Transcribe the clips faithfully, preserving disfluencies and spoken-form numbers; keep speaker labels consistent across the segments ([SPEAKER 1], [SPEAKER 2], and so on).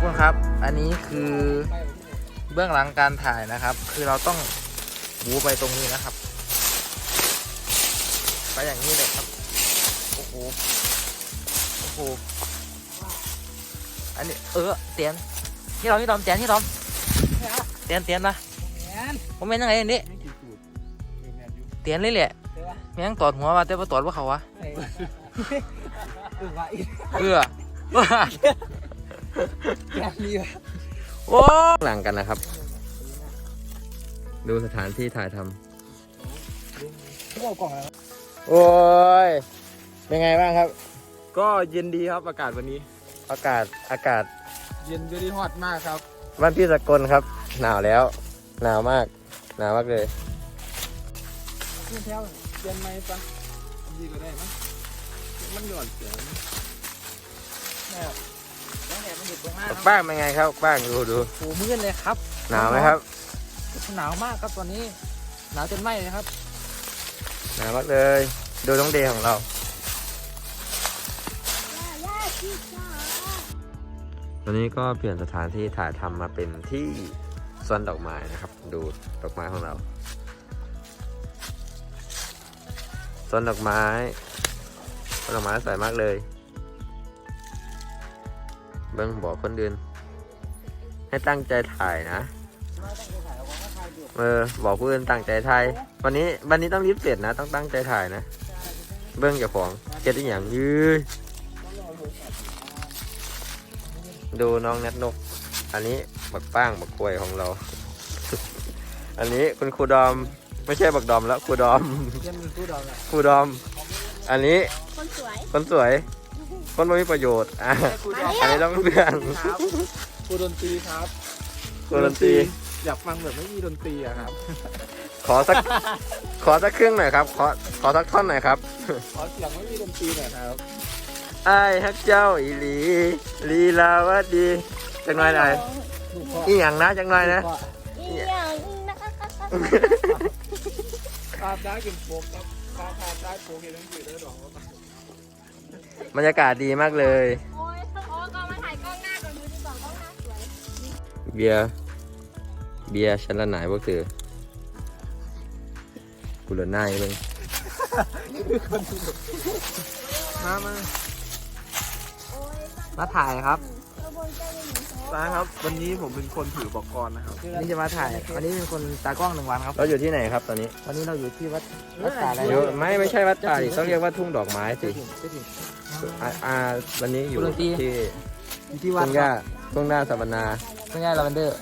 [SPEAKER 1] กคนครับอันนี้คือเบื้องหลังการถ่ายนะครับคือเราต้องบูไปตรงนี้นะครับไปอย่างนี้เลยครับโอ้โหโอ้โหอันนี้เออเตียนที่เราที่ดอมเตียนที่ดอมเตียนเตียนนะผมเป็นยังไงนี่เตียนเลยแหละแม่งตอดหัวว่าแต่ว่าตอดว่าเขาวะเออโอ้หลังกันนะครับดูสถานที่ถ่ายทำโอ้ยเป็นไงบ้างครับ
[SPEAKER 2] ก็เย็นดีครับอากาศวันนี้
[SPEAKER 1] อากาศอากาศ
[SPEAKER 2] เย็นดีฮอตมากครับ
[SPEAKER 1] บ้านพี่สกลครับหนาวแล้วหนาวมากหนาวมากเลย
[SPEAKER 2] เพื่อนแถวเย็นไหมปะดีก็ได้มั้งมันหย่อนเสียงเนี่ย
[SPEAKER 1] บ้างเป็นไงครับบ้างดูดู
[SPEAKER 3] โอ้มืดเลยครับ
[SPEAKER 1] หนาวไหมครับ
[SPEAKER 3] หนาวมากครับตอนนี้หนาวจนไหม้เลยครับ
[SPEAKER 1] หนาวมากเลยดูน้องเดย์ของเราตอนนี้ก็เปลี่ยนสถานที่ถ่ายทำมาเป็นที่สวนดอกไม้นะครับดูดอกไม้ของเราสวนดอกไม้สวนดอกไม้สวยมากเลยเบิ้งบอกคนอื่นให้ตั้งใจถ่ายนะเออบอกผู้อื่นตั้งใจถ่ายวันนี้วันนี้ต้องรีบเสร็จนะต้องตั้งใจถ่ายนะเบิ้งเจ้าของเก็บได้อย่างยืดดูน้องเน็ตนกอันนี้บักป้างบักกล้วยของเรา อันนี้คุณครูดอมไม่ใช่บักดอมแล้วครูดอมครูดอมอันนี้คนสวยคนสวยคนไม่มีประโยชน์อ่ะอันนี้ต้องเพื่อน
[SPEAKER 2] ครูดนตรีครับ
[SPEAKER 1] ครูดนตรี
[SPEAKER 2] อยากฟังแบบไม่มีดนตรีอะครับ
[SPEAKER 1] ขอสักขอสักครึ่งหน่อยครับขอขอสักท่อนหน่อยครับ
[SPEAKER 2] ขอเสียงไม่มีดนตรีหน่อยครับ
[SPEAKER 1] ไอ้ฮักเจ้าอีหลีลีลาวดีจังหน่อยหน่อยอีหยังนะจังหน่อยนะ
[SPEAKER 4] อีหยังนะ
[SPEAKER 2] ภาพได้กินโป๊กครับภาพภาพได้โป๊กเห็นทั้งสี่ได้หร
[SPEAKER 1] อบรรยากาศดีมากเลย
[SPEAKER 4] โอ้ยโอ้ยก็มาถ่ายกล้องหน้าก่อนดูดีกว่ากล้องหน้าสวย
[SPEAKER 1] เบียร์เบียร์ชั้นละไหนพวกเธอกูเหลือหน้าเอง
[SPEAKER 2] มามา
[SPEAKER 1] มาถ่ายครับ
[SPEAKER 2] มาครับวันนี้ผมเป็นคนถือบอกกรนะครับ
[SPEAKER 3] นี่จะมาถ่ายวันนี้เป็นคนตากล้องหนึ่งวันครับ
[SPEAKER 1] เราอยู่ที่ไหนครับตอนนี้
[SPEAKER 3] ตอนนี้เราอยู่ที่วัดวัดป่าอะไร
[SPEAKER 1] ไม่ไม่ใช่วัดป่าดิต้องเรียกว่าทุ่งดอกไม้สิอ่าวันนี้อยู่ที่
[SPEAKER 3] ที่วัด
[SPEAKER 1] ทุ่งหญ้าทุ่งหน้าสัมมนา
[SPEAKER 3] ทุ่งหญ้าลาเวนเดอร์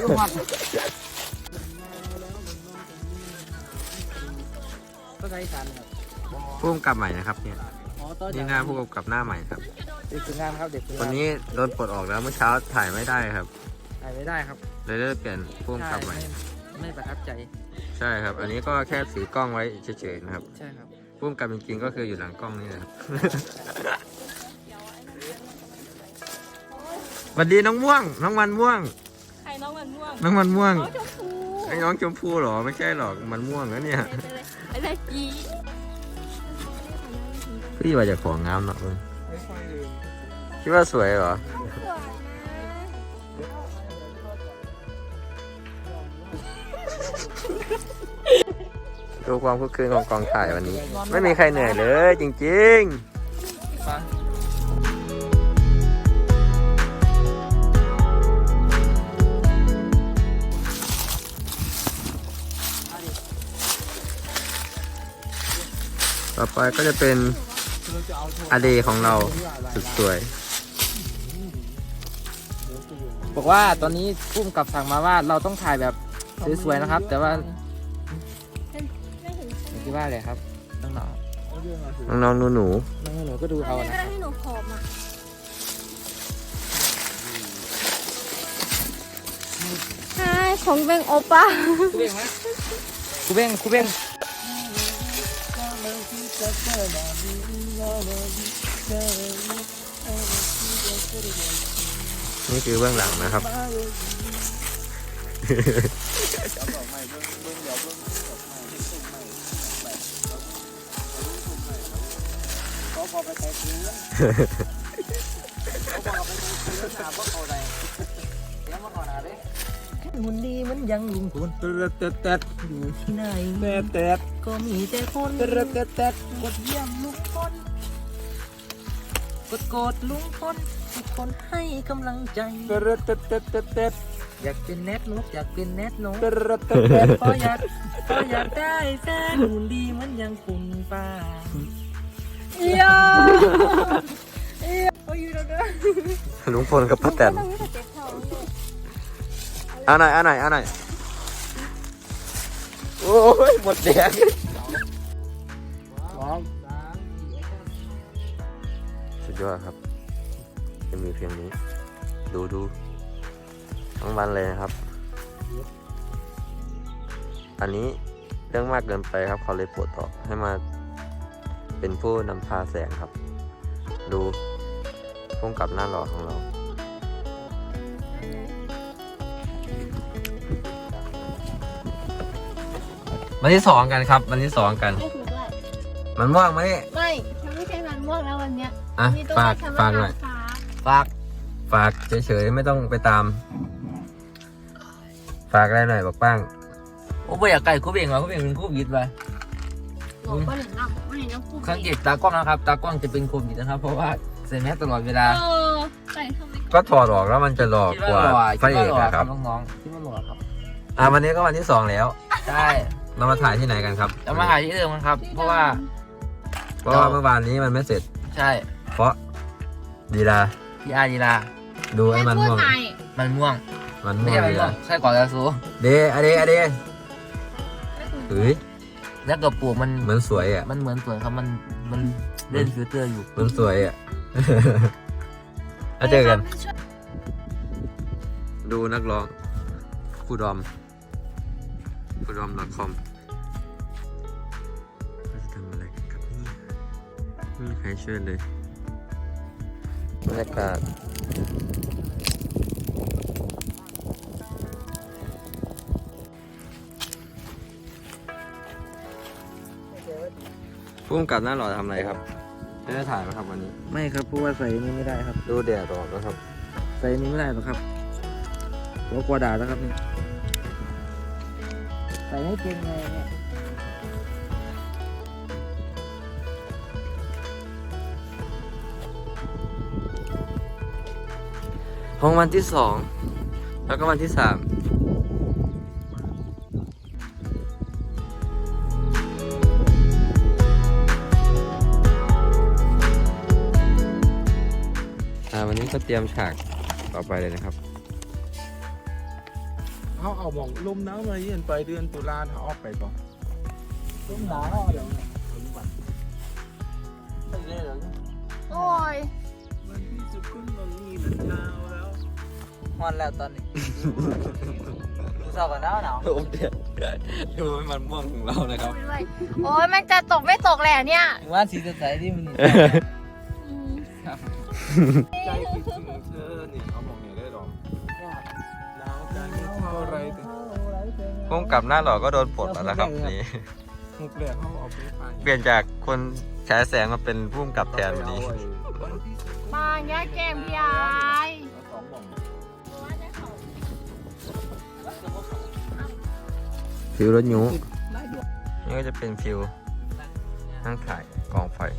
[SPEAKER 3] ก็ใช้สารครับ
[SPEAKER 1] ผู้กำกับใหม่นะครับเนี่ยนี่งานผู้กำกับหน้าใหม่ครับ
[SPEAKER 3] เด็กฝึกงานครับเด็กฝึกงาน
[SPEAKER 1] วันนี้โดนปลดออกแล้วเมื่อเช้าถ่ายไม่ได้ครับ
[SPEAKER 3] ถ่ายไม่ได้ครับ
[SPEAKER 1] เลยเลิกเปลี่ยนผู้กำกับใหม่
[SPEAKER 3] ไม่ประทับใจ
[SPEAKER 1] ใช่ครับอันนี้ก็แค่ถือกล้องไว้เฉยๆนะครับ
[SPEAKER 3] ใช่ครับ
[SPEAKER 1] ผู้กำกับจริงๆก็คืออยู่หลังกล้องนี่นะครับสวัสดีน้องม่วงน้องมันม่วง
[SPEAKER 4] ใครน้องมันม่วง
[SPEAKER 1] น้องมันม่วง
[SPEAKER 4] น้องชมพู
[SPEAKER 1] ไอ้น้องชมพูหรอไม่ใช่หรอกมันม่วงนะเนี่ย
[SPEAKER 4] อะไรจี
[SPEAKER 1] พี่ว่าจะของงามเนาะเออคิดว่าสวยเหรอดูความคึกคืนของกองถ่ายวันนี้ไม่มีใครเหนื่อยเลยจริงๆต่อไปก็จะเป็นอเดของเราสุดสวย
[SPEAKER 3] บอกว่าตอนนี้ผู้กำกับสั่งมาว่าเราต้องถ่ายแบบสวยๆนะครับแต่ว่าคิดว่าอะไรครับน้อง
[SPEAKER 1] ๆน้องๆหนูๆน้
[SPEAKER 3] องๆหนูก็ดูเอานะ
[SPEAKER 4] ให้หนูผอมอ่ะใช่ของเบงโอป้า
[SPEAKER 3] คูเบ้งไหมคูเบ้งคูเบ้ง
[SPEAKER 1] นี่คือเบื้องหลังนะครับ
[SPEAKER 3] หุ่นดีมันยังลุงคุณ
[SPEAKER 2] เต็ดเต็ดเต็ด
[SPEAKER 3] อยู่ที่ไหน
[SPEAKER 2] เต็ดเต็ด
[SPEAKER 3] ก็มีแต่คน
[SPEAKER 2] เต็ดเต็ดเต็ด
[SPEAKER 3] กดเยี่ยมลุงพลกดกดลุงพลทุกคนให้กำลังใจ
[SPEAKER 2] เต็ดเต็ดเต็ดเต็ดเต็ด
[SPEAKER 3] อยากเป็นแนทนกอยากเป็นแนทนก
[SPEAKER 2] เต็ดเต็ดเต็ด
[SPEAKER 3] พออยากพออยากได้แฟนหุ่นดีเหมันยังคุณป้า
[SPEAKER 4] เอียเอียโอ้ยอยู่แล้วเด้อ
[SPEAKER 1] ลุงพลกับป้าแตน
[SPEAKER 4] เราไม่ได้เจ็บท้องเลย
[SPEAKER 1] เอาหน่อยเอาหน่อยเอาหน่อยโอ้ยหมดแดง
[SPEAKER 2] สอง
[SPEAKER 1] สุดยอดครับจะมีเพียงนี้ ดูดูทั้งวันเลยนะครับ อันนี้เรื่องมากเกินไปครับเขาเลยปลดออกให้มาเป็นผู้นำพาแสงครับ ดูพุ่งกับหน้าหล่อของเรา วันที่สองกันครับวันที่สองกัน
[SPEAKER 4] ไม่ถูกด้วย
[SPEAKER 1] มันว่างไหม
[SPEAKER 4] ไม่ฉันไม่ใช่มันม่วงแล้ววันเนี้ย
[SPEAKER 1] อ่ะ
[SPEAKER 4] มีตัว
[SPEAKER 1] ฝาก
[SPEAKER 4] ฉัน
[SPEAKER 1] ฝาก
[SPEAKER 4] ม
[SPEAKER 1] หน่อย
[SPEAKER 4] ฟ้า
[SPEAKER 3] ฝาก
[SPEAKER 1] ฝากเฉยๆไม่ต้องไปตาม ฝากอะไรหน่อยบอกป้าง
[SPEAKER 3] โอ้ไม่อยากไก่คู่เบ่งว่ะคู่เบ่งเป็นคู่บิดไป
[SPEAKER 4] หนูก็เห็นน้ำไม่เห็นน้ำคู่
[SPEAKER 3] สังเกตตากล้องนะครับ ตากล้องจะเป็นโควิดนะครับ เพราะว่าใส่แมสตลอดเวลา
[SPEAKER 4] เออใส่ทำไม
[SPEAKER 1] ก็ถอดออกแล้วมันจะหลอก
[SPEAKER 3] คิด
[SPEAKER 1] ก
[SPEAKER 3] ว่า
[SPEAKER 1] ว่า
[SPEAKER 3] หล่อ
[SPEAKER 1] พระ
[SPEAKER 3] คิด
[SPEAKER 1] เอ
[SPEAKER 3] ว่าก หล่อ
[SPEAKER 1] อะ
[SPEAKER 3] ค
[SPEAKER 1] ค
[SPEAKER 3] รั
[SPEAKER 1] รั
[SPEAKER 3] บบ น้องๆคิดว่าหล่อครับ
[SPEAKER 1] อ่ะวันนี้ก็วันที่สองแล้ว
[SPEAKER 3] ใช่
[SPEAKER 1] เรามาถ่ายที่ไหนกันครับ
[SPEAKER 3] จะมาถ่ายที่เดิมกันครับ เพราะว่า
[SPEAKER 1] เพราะว่าเมื่อวานนี้มันไม่เสร็จ
[SPEAKER 3] ใช่
[SPEAKER 1] เพราะดีลา
[SPEAKER 3] พี่อาร์ดีลา
[SPEAKER 1] ดูไอ้มันม่วง
[SPEAKER 3] มันม่วง
[SPEAKER 1] มัน
[SPEAKER 3] ไม่
[SPEAKER 1] ม่วง
[SPEAKER 3] ใช่มัน
[SPEAKER 1] ดี
[SPEAKER 3] ม่ว
[SPEAKER 1] ลาง
[SPEAKER 3] ใช่ก่อนแล้วซู
[SPEAKER 1] เดอะเดอะเดเฮ้ย
[SPEAKER 3] แล้วกับปลูกมัน
[SPEAKER 1] เหมือนสวยอ่ะ
[SPEAKER 3] มันเหมือนสวนครับมันมันเล่นฟิลเตอร์อยู่
[SPEAKER 1] เหมือนสวยอ่ะ แล้วเจอกัน ดูนักร้องครูดอมครูดอม .com เราจะทำอะไรกันครับนี่ไม่มีใครช่วยเลยบรรยากาศพุ่มกับหน้าหล่อทำอะไรครับไม่ได้ถ่ายไหมครับวันนี้
[SPEAKER 3] ไม่ครับเพราะว่าใส่นี้ไม่ได้ครับ
[SPEAKER 1] ดูแดดออกแล้วครับ
[SPEAKER 3] ใส่นี้ไม่ได้หรอกครับเรากลัวด่าแล้วครับนี่ใส่ไม่เป็นไงเนี่ย
[SPEAKER 1] ห้องวันที่สองแล้วก็วันที่สามอ่าวันนี้ก็เตรียมฉากต่อไปเลยนะครับ
[SPEAKER 2] เขาเอาบอกลมหนาวมาเยือนไปเดือนตุลาเขาออกไปก่อน
[SPEAKER 3] ต้มหนาวเดี๋ยวเนี่ยไม่ได้หรอก
[SPEAKER 4] โอ้ย
[SPEAKER 2] มันที่สุดขึ้นมันมีมันหนาวแล้ว
[SPEAKER 3] ฮอนแล้วตอนนี้สอบกันหนาวหนาว
[SPEAKER 1] โอ้เด็ดดูมันม่วงของเรานะครับ
[SPEAKER 4] โอ้ยมันจะตกไม่ตกแหละเนี่ย
[SPEAKER 3] ว่าสีจะใสที่มัน
[SPEAKER 4] อืม
[SPEAKER 2] ใจคิดถึงเธอนี่เขาบอกเนี่ยได้หรอหนาวใจไม่เท่าไรแต่
[SPEAKER 1] พุ่มกับหน้าหล่อก็โดนปลดแล้วนะครับนี่
[SPEAKER 2] หุบแหลกเขาเอาไปไป
[SPEAKER 1] เปลี่ยนจากคนฉายแสงมาเป็นพุ่มกับแทนวันนี้
[SPEAKER 4] มาแย่แก้มพี่ไอ้
[SPEAKER 2] สองบ่อง
[SPEAKER 1] ฟิวรถยูนี่ก็จะเป็นฟิวนั่งถ่ายกองไฟ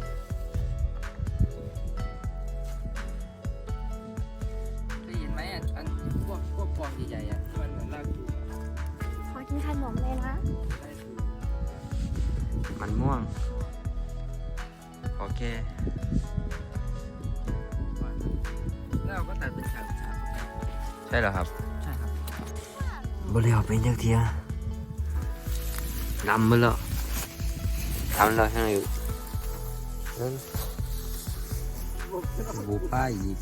[SPEAKER 3] ได้ยินไหมอ่ะอันพวกพวกกองใหญ่ๆอ่ะมันเหมือนลากจูง
[SPEAKER 4] ขอกินขนมเลยนะ
[SPEAKER 1] มันม่วงโอเค
[SPEAKER 3] แล้วเราก็ตัดเป็นฉากฉาก
[SPEAKER 1] ใช่เหรอครับ
[SPEAKER 3] ใช่ครับ
[SPEAKER 1] บริหารเป็นเจ้าเทียดำไปแล้วดำแล้วใช่ไหมบูป้าอีก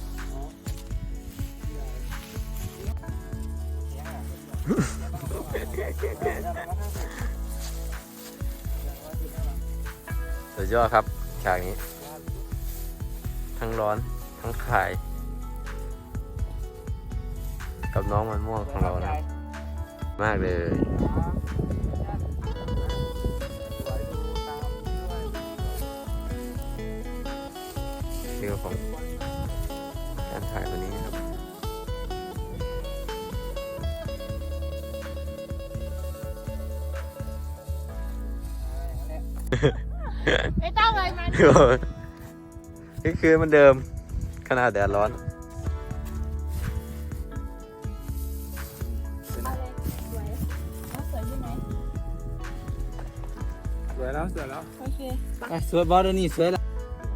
[SPEAKER 1] สุดยอดครับฉากนี้ ทั้งร้อนทั้งคาย กับน้องมันม่วงของเรานะ มากเลยฟิลของถ่ายวันนี้ครับ
[SPEAKER 4] ไม่ต้องเลยมัน
[SPEAKER 1] นี่คือมันเดิมขนาดแดดร้อน
[SPEAKER 4] เอาเลยสวยเอาสวยอยู่ไหน
[SPEAKER 2] สวยแล้วสวยแล้ว
[SPEAKER 4] โอเค
[SPEAKER 3] สวยบอลนี่สวยแล้ว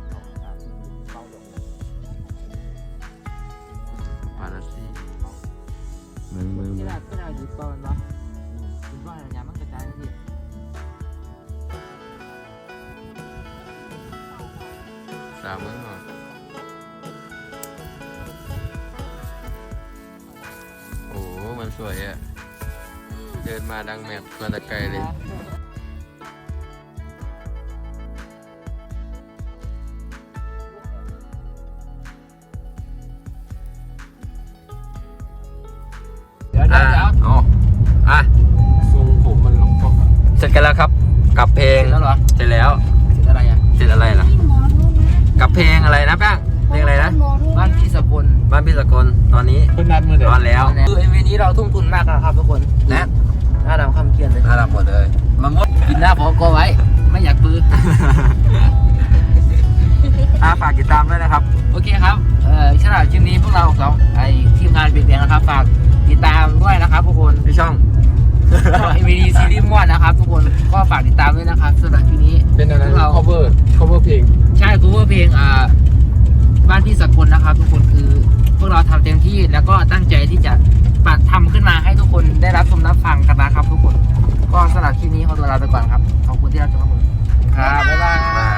[SPEAKER 1] มาแล้วสิมึงมึง
[SPEAKER 3] ที่เราที่เราหยิบบอลวะหยิบบอลอะไรอย่างมันกระจายที่
[SPEAKER 1] สามมึงเหรอโอ้โหมันสวยอ่ะ เดินมาดังแมพมาแต่ไกลเลย
[SPEAKER 3] เดี๋ยวเดี๋ยวเดี๋ยว
[SPEAKER 1] อ๋ออ่ะ
[SPEAKER 2] ทรงผมมันล็อกก๊อกอะ
[SPEAKER 1] เสร็จกันแล้วครับ กับเพลง
[SPEAKER 3] แล้วเหรอ
[SPEAKER 1] เสร็จแล้ว
[SPEAKER 3] ติดอะไรอ่ะ
[SPEAKER 1] เสร็จอะไรล่ะ
[SPEAKER 4] นี่หมอรู้นะ
[SPEAKER 1] กับเพลงอะไรนะแป้งเพลงอะไรนะ
[SPEAKER 4] หมอรู้
[SPEAKER 3] บ้านพี่สกุล
[SPEAKER 1] บ้านพี่สกลตอนนี้
[SPEAKER 2] เพิ่นนัดมือเด็
[SPEAKER 1] ร้อนแล้ว
[SPEAKER 3] คือเอ็มวีนี้เราทุ่มทุนมากนะครับทุกคน
[SPEAKER 1] นะ
[SPEAKER 3] หน้าดำคำเคียนเลย
[SPEAKER 1] น่ารักหมดเลยมามด
[SPEAKER 3] กินหน้าพอกอไว้ ไม่อยากปื้อ
[SPEAKER 1] อาฝากติดตามด้วยนะครับ
[SPEAKER 3] โอเคครับ เอ่อสำหรับคลิปนี้พวกเราสองไอทีมงานเปลี่ยนแปลงนะครับ ฝากติดตามด้วยนะครับทุกคน
[SPEAKER 1] ที่ช่อง
[SPEAKER 3] เอ็มวีดีซีรีส์ม่วนนะครับ ทุกคนก็ฝากติดตามด้วยนะครับสำหรับคลิปนี้
[SPEAKER 2] เป็นอะไร
[SPEAKER 3] พวกเรา
[SPEAKER 2] cover cover เพลง
[SPEAKER 3] ใช่คูเวอร์เพลงอ่าบ้านพี่สกลนะครับ ทุกคนคือพวกเราทำเต็มที่แล้วก็ตั้งใจที่จะปัดทำขึ้นมาให้ทุกคนได้รับชมรับฟังกันนะครับ ทุกคน ก็สำหรับคลิปนี้ขอตัวลาไปก่อนครับขอบคุณที่รับชมครับผมครับบ๊ายบาย